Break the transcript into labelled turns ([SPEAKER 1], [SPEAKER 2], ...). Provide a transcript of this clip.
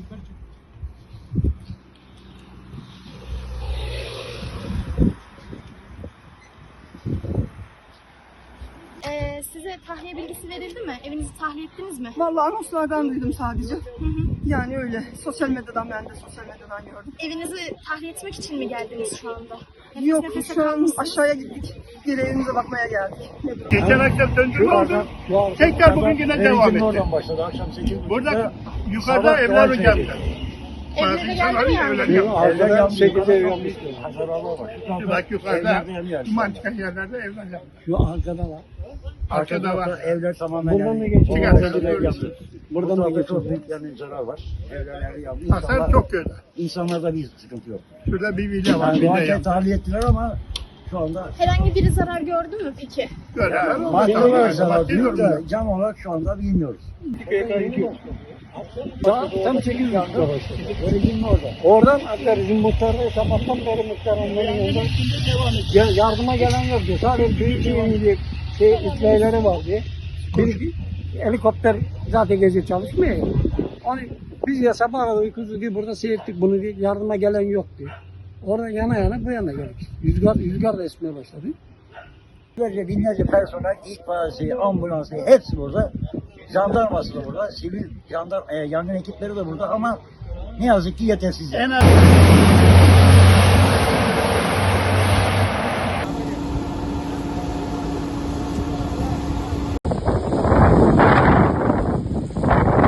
[SPEAKER 1] Size tahliye bilgisi verildi mi? Evinizi tahliye ettiniz mi?
[SPEAKER 2] Vallahi anonslardan duydum sadece. Yani öyle. Sosyal medyadan, ben de sosyal medyadan gördüm.
[SPEAKER 1] Evinizi tahliye etmek için mi geldiniz şu anda? Nefes
[SPEAKER 2] Yok,
[SPEAKER 1] nefese
[SPEAKER 2] şu an
[SPEAKER 1] kalmışsınız.
[SPEAKER 2] aşağıya gittik. Geri evimize bakmaya geldik.
[SPEAKER 3] Geçen akşam döndürme oldu. Tekrar bugün yine devam etti.
[SPEAKER 4] Oradan başladı. Akşam 8.30'da.
[SPEAKER 3] Burada yukarıda evler geldi.
[SPEAKER 1] Evlere geldi mi yani?
[SPEAKER 4] Evler yanmış. 8'e yanmış. Hasar alma bak.
[SPEAKER 3] Bak yukarıda duman çıkan yerlerde evler yandı.
[SPEAKER 4] Şu arkada var.
[SPEAKER 3] Arkada var.
[SPEAKER 4] Evler tamamen
[SPEAKER 5] Buradan da
[SPEAKER 4] yandı.
[SPEAKER 5] geçiyor.
[SPEAKER 4] Buradan da
[SPEAKER 5] geçiyor.
[SPEAKER 4] çok büyük yani zarar var. Evler yandı.
[SPEAKER 3] Hasar çok kötü.
[SPEAKER 4] İnsanlarda bir sıkıntı yok.
[SPEAKER 3] Şurada bir villa var.
[SPEAKER 4] Yani
[SPEAKER 3] Villa
[SPEAKER 4] doğarken
[SPEAKER 3] yandı.
[SPEAKER 4] tahliye ettiler ama şu anda
[SPEAKER 1] Herhangi biri zarar gördü mü peki?
[SPEAKER 3] Böyle.
[SPEAKER 4] maddi olarak zarar
[SPEAKER 3] Maddi
[SPEAKER 4] diyor da
[SPEAKER 3] olarak.
[SPEAKER 4] can olarak şu anda bilmiyoruz.
[SPEAKER 5] Tam 800 lira başladı.
[SPEAKER 4] Öyle orada.
[SPEAKER 5] Oradan hatta bizim muhtarda sabahtan beri muhtar onların yanında yardıma gelen yok diyor. Sadece büyük diye itfaiyeleri var diye. Bir helikopter zaten gece çalışmıyor. Onu biz ya sabah arada uykusuz diye burada seyrettik bunu diye yardıma gelen yok diye. Orada yana yana bu yana geldik. Rüzgar da esmeye başladı.
[SPEAKER 4] Binlerce personel, itfaiyesi, ambulansı hepsi burada. Jandarması da burada, sivil yangın ekipleri de burada ama ne yazık ki yetersiz.
[SPEAKER 3] En az